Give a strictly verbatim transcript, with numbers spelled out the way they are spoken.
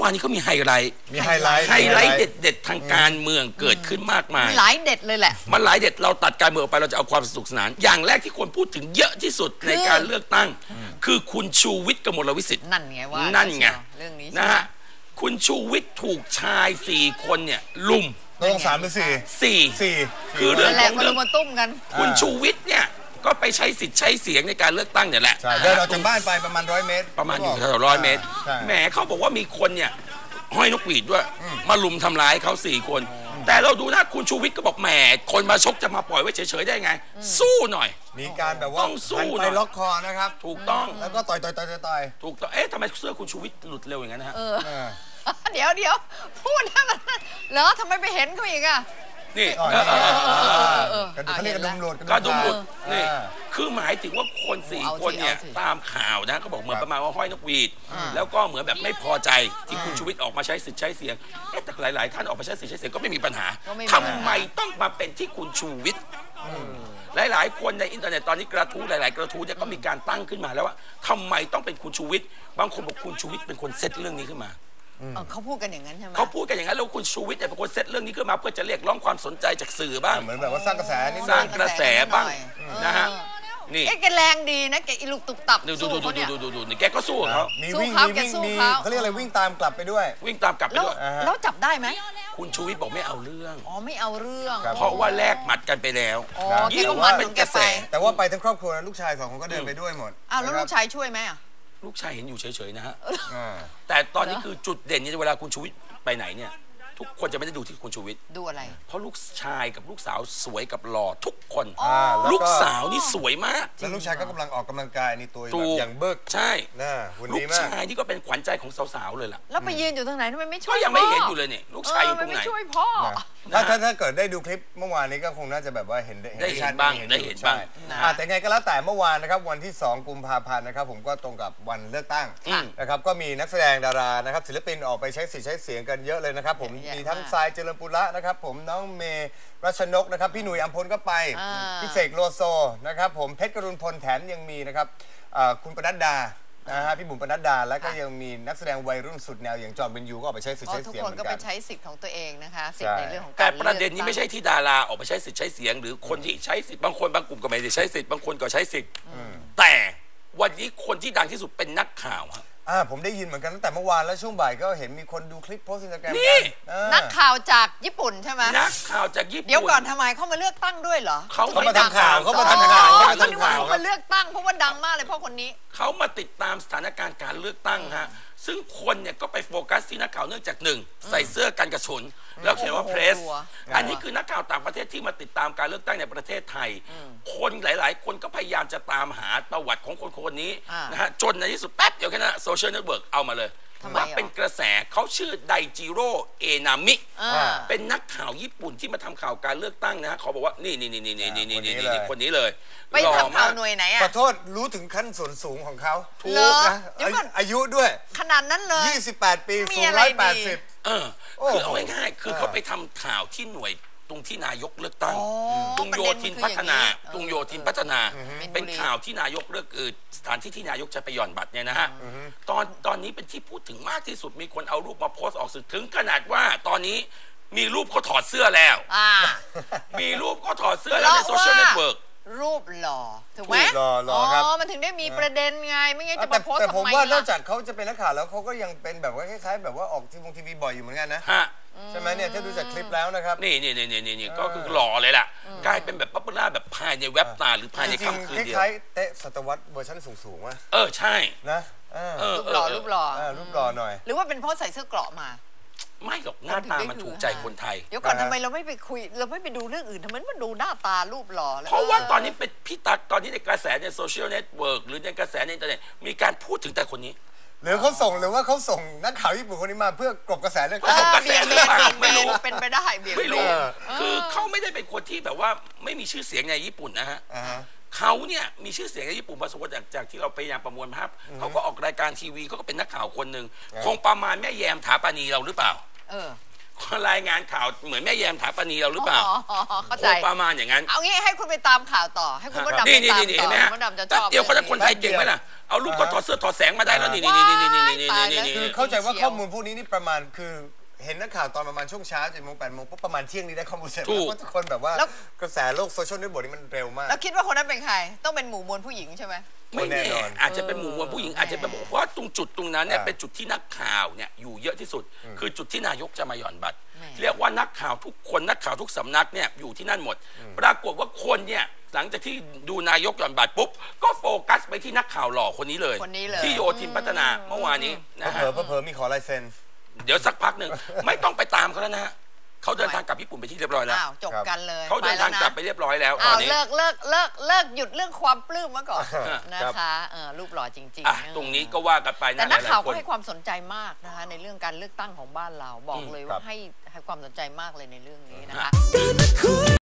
วานนี้เขามีไฮไลท์มีไฮไลท์ไฮไลท์เด็ดๆทางการเมืองเกิดขึ้นมากมายหลายเด็ดเลยแหละมันหลายเด็ดเราตัดการเมืองออกไปเราจะเอาความสนุกสนานอย่างแรกที่คนพูดถึงเยอะที่สุดในการเลือกตั้งคือคุณชูวิทย์กมลวิสิทธิ์นั่นไงว่านั่นไงเรื่องนี้นะฮะคุณชูวิทย์ถูกชายสี่คนเนี่ยลุมตรงสามหรือสี่สี่สี่คือเรื่องของเรื่องมาตุ้มกันคุณชูวิทย์เนี่ยก็ไปใช้สิทธิ์ใช้เสียงในการเลือกตั้งเนี่ยแหละเดินออกจากบ้านไปประมาณร้อยเมตรประมาณอยู่แถวร้อยเมตรแหมเขาบอกว่ามีคนเนี่ยห้อยนกหวีดด้วยมาลุมทำร้ายเขาสี่คนแต่เราดูนะคุณชูวิทย์ก็บอกแหมคนมาชกจะมาปล่อยไว้เฉยๆได้ไงสู้หน่อยมีการแบบว่าต้องสู้ไปล็อกคอนะครับถูกต้องแล้วก็ต่อยต่อยต่อยต่อยถูกต้องเอ๊ะทำไมเสื้อคุณชูวิทย์หลุดเร็วอย่างนั้นฮะเดี๋ยวเดี๋ยวพูดให้มันเหรอทำไมไปเห็นเขาอีกอ่ะนี่เขาเรียกกระดุมหลุดกระดุมหลุดนี่คือหมายถึงว่าคนสี่คนเนี่ยตามข่าวนะเขาบอกเหมือนประมาณว่าห้อยนกหวีดแล้วก็เหมือนแบบไม่พอใจที่คุณชูวิทย์ออกมาใช้สิทธิ์ใช้เสียงเอ๊ะแต่หลายๆท่านออกมาใช้สิทธิ์ใช้เสียงก็ไม่มีปัญหาทำไมต้องมาเป็นที่คุณชูวิทย์หลายๆคนในอินเทอร์เน็ตตอนนี้กระทู้หลายๆกระทู้เนี่ยก็มีการตั้งขึ้นมาแล้วว่าทำไมต้องเป็นคุณชูวิทย์บางคนบอกคุณชูวิทย์เป็นคนเซตเรื่องนี้ขึ้นมาเขาพูดกันอย่างนั้นใช่ไหมเขาพูดกันอย่างนั้นแล้วคุณชูวิทย์เนี่ยเป็นคนเซตเรื่องนี้ขึ้นมาเพื่อจะเรียกร้องความสนใจจากสื่อบ้างเหมือนแบบว่าสร้างกระแสนี่สร้างกระแสบ้างนะฮะนี่แกแรงดีนะแกอิลุกตุกตับดูดูดูดูดูดูดูนี่แกก็สู้เขามีวิ่งมีวิ่งมีเขาเรียกอะไรวิ่งตามกลับไปด้วยวิ่งตามกลับไปด้วยแล้วจับได้ไหมคุณชูวิทย์บอกไม่เอาเรื่องอ๋อไม่เอาเรื่องเพราะว่าแลกหมัดกันไปแล้วยิ่งมันเป็นกระแสแต่ว่าไปทั้งครอบครัวลูกชายสองคนก็เดินไปด้วยหมดอ้าวแล้วลูกชายช่วยไหมอ่ะลูกชายเห็นอยู่เฉยๆนะฮะแต่ตอนนี้คือจุดเด่นเนี่ยเวลาคุณชูวิทย์ไปไหนเนี่ยทุกคนจะไม่ได้ดูที่คุณชูวิทย์ดูอะไรเพราะลูกชายกับลูกสาวสวยกับหล่อทุกคนลูกสาวนี่สวยมากแล้วลูกชายก็กำลังออกกำลังกายนี่ตัวอย่างเบิกใช่ลูกชายนี่ก็เป็นขวัญใจของสาวๆเลยล่ะแล้วไปยืนอยู่ตรงไหนทำไมไม่ช่วยก็ยังไม่เห็นอยู่เลยเนี่ยลูกชายอยู่ตรงไหนไม่ช่วยพ่อถ้าถ้าถ้าเกิดได้ดูคลิปเมื่อวานนี้ก็คงน่าจะแบบว่าเห็นได้เห็นบ้างได้เห็นบ้างแต่ไงก็แล้วแต่เมื่อวานนะครับวันที่สองกุมภาพันธ์นะครับผมก็ตรงกับวันเลือกตั้งนะครับก็มีนักแสดงดารานะครับศิลปินออกไปใช้สิทธิ์ใช้เสียงกันเยอะเลยนะครับผมมีทั้งทรายเจริญปุระนะครับผมน้องเมย์รัชนกนะครับพี่หนุ่ยอัมพลก็ไปพี่เสกโลโซนะครับผมเพชรกรุณพลแถมยังมีนะครับคุณปนัดดานะฮะพี่บุ๋มปนัดดาแล้วก็ยังมีนักแสดงวัยรุ่นสุดแนวอย่างจอห์นเบนยูก็ออกไปใช้สิทธิ์ใช้เสียงเหมือนกันทุกคนก็ไปใช้สิทธิ์ของตัวเองนะคะสิทธิ์ในเรื่องของการแต่ประเด็นนี้ไม่ใช่ที่ดาราออกไปใช้สิทธิ์ใช้เสียงหรือคนที่ใช้สิทธิ์บางคนบางกลุ่มก็ไม่ได้ใช้สิทธิ์บางคนก็ใช้สิทธิ์แต่วันนี้คนที่ดังที่สุดเป็นนักข่าวครับอ่าผมได้ยินเหมือนกันตั้งแต่เมื่อวานแล้วช่วงบ่ายก็เห็นมีคนดูคลิปโพสต์อินสตาแกรมนี่นักข่าวจากญี่ปุ่นใช่ไหมนักข่าวจากญี่ปุ่นเดี๋ยวก่อนทำไมเขามาเลือกตั้งด้วยเหรอเขามาทำข่าวเขามาทำข่าวเขามาทำข่าวเขามาเลือกตั้งเพราะว่าดังมากเลยเพราะคนนี้เขามาติดตามสถานการณ์การเลือกตั้งฮะซึ่งคนเนี่ยก็ไปโฟกัสที่นักข่าวเนื่องจากหนึ่งใส่เสื้อกันกระสุนแล้วเขียนว่าเพรสอันนี้คือนักข่าวต่างประเทศที่มาติดตามการเลือกตั้งในประเทศไทยคนหลายๆคนก็พยายามจะตามหาประวัติของคนคนนี้นะฮะจนในที่สุดแป๊บเดียวแค่นั้นโซเชียลเน็ตเวิร์กเอามาเลยว่าเป็นกระแสเขาชื่อไดจิโร่เอนามิเป็นนักข่าวญี่ปุ่นที่มาทำข่าวการเลือกตั้งนะฮะเขาบอกว่านี่นี่นี่นี่นี่นี่นี่นี่คนนี้เลยไปทำข่าวหน่วยไหนอ่ะขอโทษรู้ถึงขั้นส่วนสูงของเขาถูกนะอายุด้วยขนาดนั้นเลยยี่สิบแปดปีสูงร้อยแปดสิบเออคือเอาง่ายๆคือเขาไปทำข่าวที่หน่วยตรงที่นายกเลือกตั้งตรงโยธินพัฒนาตรงโยธินพัฒนาเป็นข่าวที่นายกเลือกเออสถานที่ที่นายกจะไปหย่อนบัตรเนี่ยนะฮะตอนตอนนี้เป็นที่พูดถึงมากที่สุดมีคนเอารูปมาโพสต์ออกสื่อถึงขนาดว่าตอนนี้มีรูปเขาถอดเสื้อแล้วมีรูปเขาถอดเสื้อแล้วในโซเชียลเน็ตเวิร์กรูปหล่อถูกไหมหล่อหล่อครับอ๋อมันถึงได้มีประเด็นไงไม่งั้นจะมาโพสต์ทำไมแต่ผมว่านอกจากเขาจะเป็นนักข่าวแล้วเขาก็ยังเป็นแบบว่าคล้ายๆแบบว่าออกทีวีทีวีบ่อยอยู่เหมือนกันนะใช่ไหมเนี่ยถ้าดูจากคลิปแล้วนะครับนี่นี่นี่นี่นี่ก็คือหล่อเลยล่ะกลายเป็นแบบป๊อปปูล่าแบบภายในเว็บตาหรือภายในค่ำคืนเดียวคล้ายๆเตะศตวรรษเวอร์ชันสูงๆว่ะเออใช่นะรูปหล่อรูปหล่อรูปหล่อหน่อยหรือว่าเป็นเพราะใส่เสื้อเกราะมาไม่หรอกหน้าตามันถูกใจคนไทยเดี๋ยวก่อนทำไมเราไม่ไปคุยเราไม่ไปดูเรื่องอื่นทำไมมาดูหน้าตารูปหล่อเพราะว่าตอนนี้เป็นพี่ตั๊กตอนนี้ในกระแสในโซเชียลเน็ตเวิร์กหรือในกระแสในอินเทอร์เน็ตมีการพูดถึงแต่คนนี้หรือเขาส่งหรือว่าเขาส่งนักข่าวญี่ปุ่นคนนี้มาเพื่อกลบกระแสเรื่องกระแสหรือเปล่าไม่รู้เป็นไปได้เบี่ยงไม่รู้คือเขาไม่ได้เป็นคนที่แบบว่าไม่มีชื่อเสียงในญี่ปุ่นนะฮะเขาเนี่ยมีชื่อเสียงในญี่ปุ่นพอสมควรจากจากที่เราพยายามประมวลภาพเขาก็ออกรายการทีวีเขาก็เป็นนักข่าวคนหนึ่งคงประมาณแม่แยมถาปานีเราหรือเปล่ารายงานข่าวเหมือนแม่แยมถาปณีเราหรือเปล่าอ๋อเข้าใจประมาณอย่างนั้นเอางี้ให้คุณไปตามข่าวต่อให้คุณมดดำไปนี่นี่ตามนี่ต่เห็อนไหมฮะมดดำจะชแป๊บอบเดียวเขาจะคนไทยเก่งไหมล่ะเอารูปก็ถอดเสื้อถอดแสงมาได้แล้วนี่นี่นี่นี่นี่นี่นี่นี่คือเข้าใจว่าข้อมูลพวกนี้นี่ประมาณคือเห็นนักข่าวตอนประมาณช่วงเช้าเจ็ดโมงแปดโมงปุ๊บประมาณเที่ยงนี้ได้ข้อมูลเสร็จแล้วก็ทุกคนแบบว่ากระแสโลกโซเชียลเน็ตเวิร์กนี่มันเร็วมากแล้วคิดว่าคนนั้นเป็นใครต้องเป็นหมู่มวลผู้หญิงใช่ไหมไม่แน่อาจจะเป็นหมู่มวลผู้หญิงอาจจะเป็นเพราะตรงจุดตรงนั้นเนี่ยเป็นจุดที่นักข่าวเนี่ยอยู่เยอะที่สุด คือจุดที่นายกจะมาหย่อนบัตรเรียกว่านักข่าวทุกคนนักข่าวทุกสำนักเนี่ยอยู่ที่นั่นหมด ปรากฏว่าคนเนี่ยหลังจากที่ดูนายกหย่อนบัตรปุ๊บก็โฟกัสไปที่นักข่าวหล่อคนนี้เลยที่โยธินพัฒนาเมื่อวานนี้นะฮะเผลอเผลอมีขอลายเซ็นเดี๋ยวสักพักหนึ่งไม่ต้องไปตามเขาแล้วนะฮะเขาเดินทางกลับญี่ปุ่นไปที่เรียบร้อยแล้วอ้าวจบกันเลยเขาเดินทางกลับไปเรียบร้อยแล้วตอ้าอวนนี้เลิกเลิกเลิกเลิกหยุดเรื่องความปลื้มมาก่อนครับนะคะเออรูปหล่อจริงอ่ะๆตรงนี้ก็ว่ากันไปแต่นะหนักลายข่าวๆคก็นให้ความสนใจมากนะคะในเรื่องการเลือกตั้งของบ้านเราบอกเลยครัว่าบให้ให้ความสนใจมากเลยในเรื่องนี้นะคะ